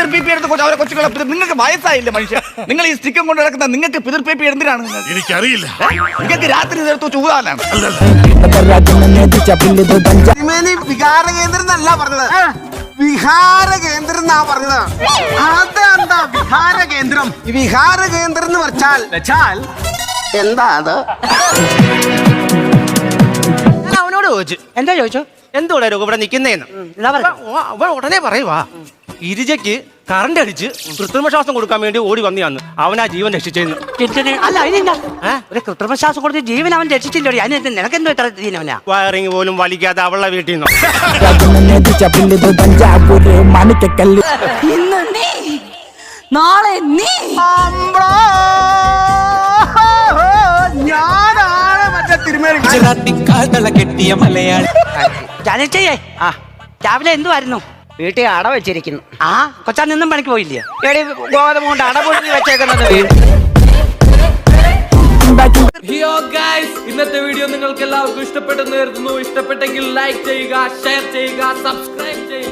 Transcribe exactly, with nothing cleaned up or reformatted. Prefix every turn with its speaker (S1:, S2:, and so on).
S1: പിതൃപ്പേപ്പി എടുത്ത് അവരെ കൊച്ചുകളെ നിങ്ങൾക്ക് വയസ്സായില്ല മനുഷ്യ. നിങ്ങൾ ഈ സ്റ്റിക്കം കൊണ്ട് നടക്കുന്ന നിങ്ങൾക്ക് പിതൃപ്പേപ്പി എന്തിനാണ്?
S2: എനിക്കറിയില്ല.
S1: നിങ്ങൾക്ക് രാത്രി നേരത്തെ ചൂടാനാണ്.
S3: വികാര കേന്ദ്രം എന്നല്ല പറഞ്ഞത്, വിഹാര കേന്ദ്രം എന്നാ പറഞ്ഞത്. അതെന്താ വിഹാര കേന്ദ്രം? ഈ വിഹാര കേന്ദ്രം എന്ന് വെച്ചാൽ വെച്ചാൽ എന്താ അത്?
S4: ഞാൻ അവനോട് ചോദിച്ചു.
S5: എന്താ ചോദിച്ചോ?
S4: എന്തുകൂടെ ഇവിടെ നിൽക്കുന്നേന്ന്. അവൻ ഉടനെ പറയുവാ, ഗിരിജയ്ക്ക് കറണ്ട് അടിച്ച് കൃത്രിമ ശ്വാസം കൊടുക്കാൻ വേണ്ടി ഓടി വന്നിയാന്ന് അവനാ ജീവൻ രക്ഷിച്ചെന്ന്.
S5: അല്ല അതിനെന്താ ഒരു കൃത്രിമ ശ്വാസം കൊടുത്ത് ജീവൻ അവൻ രക്ഷിച്ചില്ലോ? അതിന് നിനക്കെന്തോ ഇത്ര ദീനവനാ?
S4: വയറിങ് പോലും വലിക്കാതെ അവളുടെ വീട്ടിൽ നിന്ന്
S5: ഇന്ന് നീ നാളെ നീ
S3: ഞാനാണ് മറ്റേ തിരുമേനി
S6: കെട്ടിയ മലയാളി.
S5: ജാനച്ചേ, ആ രാവിലെ എന്തുവായിരുന്നു?
S6: വീട്ടിൽ അട വെച്ചിരിക്കുന്നു.
S5: ആ കൊച്ചാൻ നിന്നും പണിക്ക് പോയില്ലേ?
S6: എടി ഗോതമ്പ് കൊണ്ട് അട പൊട്ടി വെച്ചേക്കുന്നത്.
S7: ഇന്നത്തെ വീഡിയോ നിങ്ങൾക്ക് എല്ലാവർക്കും ഇഷ്ടപ്പെട്ടെന്ന് കരുതുന്നു. ഇഷ്ടപ്പെട്ടെങ്കിൽ ലൈക്ക് ചെയ്യുക, ഷെയർ ചെയ്യുക, സബ്സ്ക്രൈബ് ചെയ്യുക.